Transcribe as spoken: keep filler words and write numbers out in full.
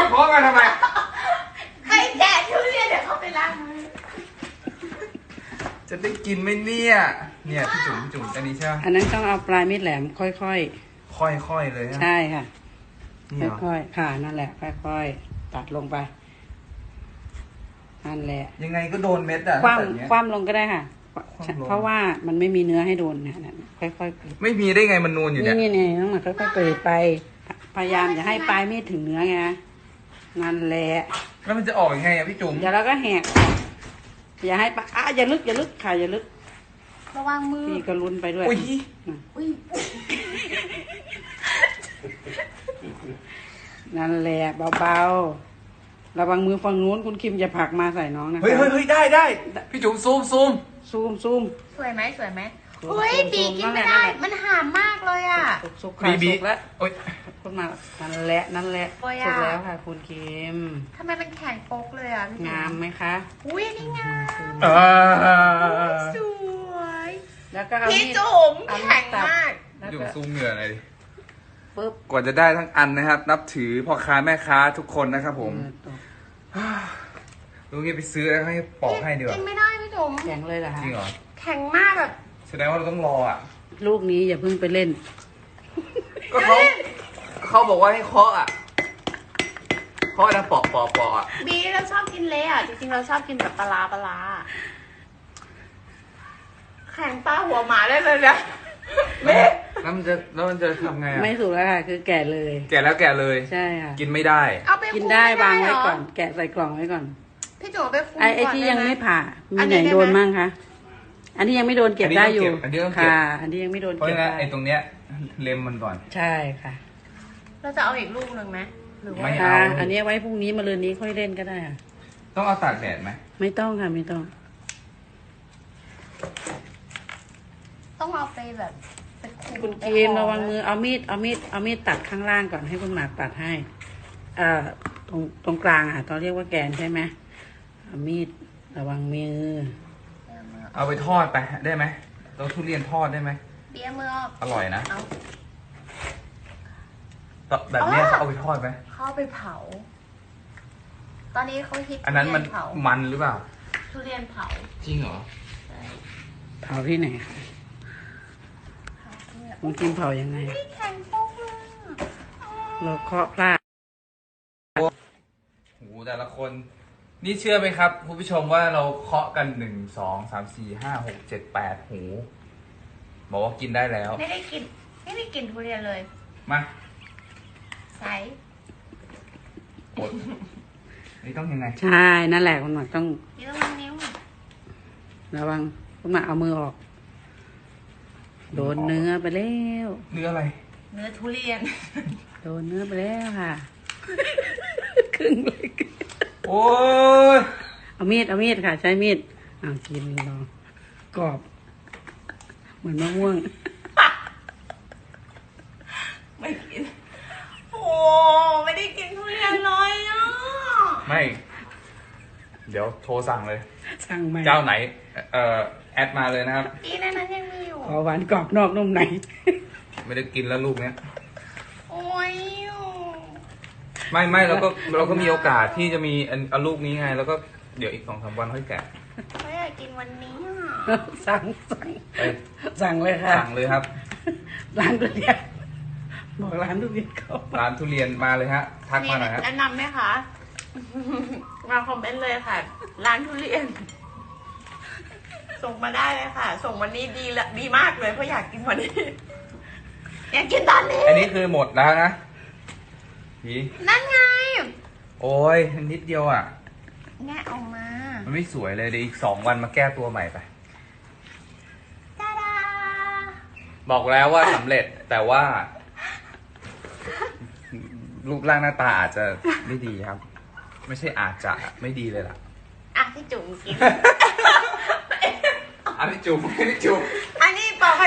เคาะกันทำไมใครแกะทุเรียนเดี๋ยวเขาไปล้างมือจะได้กินไหมเนี่ยเนี่ยพี่จุ๋มพี่จุ๋มอันนี้ใช่ไหมอันนั้นต้องเอาปลายมีดแหลมค่อยๆค่อยๆเลยใช่ค่ะค่อยๆค่ะนั่นแหละค่อยๆตัดลงไปนั่นแหละยังไงก็โดนเม็ดอ่ะคว่ำคว่ำลงก็ได้ค่ะเพราะว่ามันไม่มีเนื้อให้โดนเนี่ยค่อยๆไม่มีได้ไงมันนูนอยู่เนี่ยนี่นี่ต้องมาค่อยๆเปิดไปพยายามอย่าให้ปลายมีดถึงเนื้อไงนั่นแหละแล้วมันจะออกยังไงอ่ะพี่จุ๋มเดี๋ยวเราก็แหกอย่าให้ปลาอ่ะอย่าลึกอย่าลึกค่ะอย่าลึกระวังมือพี่ก็ลุ้นไปด้วยอุ้ยอุ้ยนั่นแหละเบาๆระวังมือฝั่งนู้นคุณคิมอย่าผลักมาใส่น้องนะคะเฮ้ยเฮ้ยได้ได้พี่จุ๋มซูมซูมซูมซูมสวยไหมสวยไหมเฮ้ยบีกินไม่ได้มันหามมากเลยอ่ะสุกค่ะสุกแล้วโอ๊ยขึ้นมานั่นแหละนั่นแหละสุกแล้วค่ะคุณคิมทำไมมันแข็งโป๊กเลยอ่ะงามไหมคะอุ้ยนี่งามสวยแล้วก็เอาพี่จุ๋มแข็งมากจุ๋มซูมเหงื่อเลยปึ๊บกว่าจะได้ทั้งอันนะครับนับถือพ่อค้าแม่ค้าทุกคนนะครับผมลุงนี่ไปซื้อแล้วให้ปอกให้ดีกว่ากินไม่ได้พี่จุ๋มแข็งเลยเหรอจริงเหรอแข็งมากแบบแสดงว่าเราต้องรออ่ะลูกนี้อย่าเพิ่งไปเล่นก็เขาเขาบอกว่าให้เคาะอ่ะเคาะแล้วปอกปอกปอกอ่ะบีเราชอบกินเละอ่ะจริงๆเราชอบกินแบบปลาปลาแข็งปลาหัวหมาได้เลยเนี่ยเละแล้วมันจะแล้วมันจะทำไงอ่ะไม่ถูกแล้วค่ะคือแกะเลยแกะแล้วแกะเลยใช่ค่ะกินไม่ได้กินได้วางไว้ก่อนแกะใส่กล่องไว้ก่อนพี่จุ๋มไปฟูไอ้ไอ้ที่ยังไม่ผ่ามีไหนโดนมั่งคะอันนี้ยังไม่โดนเก็บได้อยู่ค่ะอันนี้ยังไม่โดนเก็บได้ไอ้ตรงเนี้ยเล็มมันก่อนใช่ค่ะเราจะเอาอีกลูกหนึ่งไหมหรือว่าไม่เอาอันนี้ไว้พรุ่งนี้มาเลยนี้ค่อยเล่นก็ได้ค่ะต้องเอาตากแดดไหมไม่ต้องค่ะไม่ต้องต้องเอาไปแบบคุณเกมระวังมือเอามีดเอามีดเอามีดตัดข้างล่างก่อนให้คุณหมากตัดให้เอ่อตรงตรงกลางอ่ะตอนเรียกว่าแกนใช่ไหมเอามีดระวังมือเอาไปทอดไปได้ไหมเราทุเรียนทอดได้ไหมเบี้ยมืออร่อยนะแบบนี้เขาเอาไปทอดไหมเขาไปเผาตอนนี้เขาฮิตอันนั้นมันมันหรือเปล่าทุเรียนเผาจริงเหรอเผาที่ไหนคะมันกินเผายังไงแข็งโป๊กเลยเราเคาะพลาดโอ้โหแต่ละคนนี่เชื่อไหมครับคุณผู้ชมว่าเราเคาะกันหนึ่งสองสามสี่ห้าหกเจ็ดแปดหูบอกว่ากินได้แล้วไม่ได้กินไม่ได้กินทุเรียนเลยมาใส่กดนี่ต้องยังไงใช่นั่นแหละคุณหมอต้องนี่ต้องวางนิ้วระวังคุณหมอเอามือออกโดนเนื้อไปแล้วเนื้ออะไรเนื้อทุเรียนโดนเนื้อไปแล้วค่ะครึ่งเลยโอ้ยเอามีดเอามีดค่ะใช้มีดอ่ากินลองกรอบเหมือนมะม่วงไม่กินโอ้ไม่ได้กินทุเรียนเลยอ่ะไม่เดี๋ยวโทรสั่งเลยสั่งไหมเจ้าไหนเอ่อแอดมาเลยนะครับอีนั้นนั้นยังมีอยู่ขอหวานกรอบนอกนุ่มในไม่ได้กินแล้วลูกเนี้ยโอ้ยไม่ไม่เราก็เราก็มีโอกาสที่จะมีอันอันลูกนี้ไงแล้วก็เดี๋ยวอีกสองสามวันค่อยแกะไม่อยากกินวันนี้สั่งสั่งสั่งเลยค่ะสั่งเลยครับร้านทุเรียนบอกร้านทุเรียนเขาร้านทุเรียนมาเลยฮะทักมาหน่อยครับแนะนำไหมคะมาคอมเมนต์เลยค่ะร้านทุเรียนส่งมาได้เลยค่ะส่งวันนี้ดีละดีมากเลยเพราะอยากกินวันนี้อยากกินตอนนี้อันนี้คือหมดแล้วนะพี่นั่นไงโอ้ยนิดเดียวอ่ะแงะออกมามันไม่สวยเลยเดี๋ยวอีกสองวันมาแก้ตัวใหม่ไปตาดาบอกแล้วว่าสำเร็จแต่ว่ารูปร่างหน้าตาอาจจะไม่ดีครับไม่ใช่อาจจะไม่ดีเลยล่ะอ่ะพี่จุ๋มกินอ่ะพี่จุ๋มพี่จุ๋ม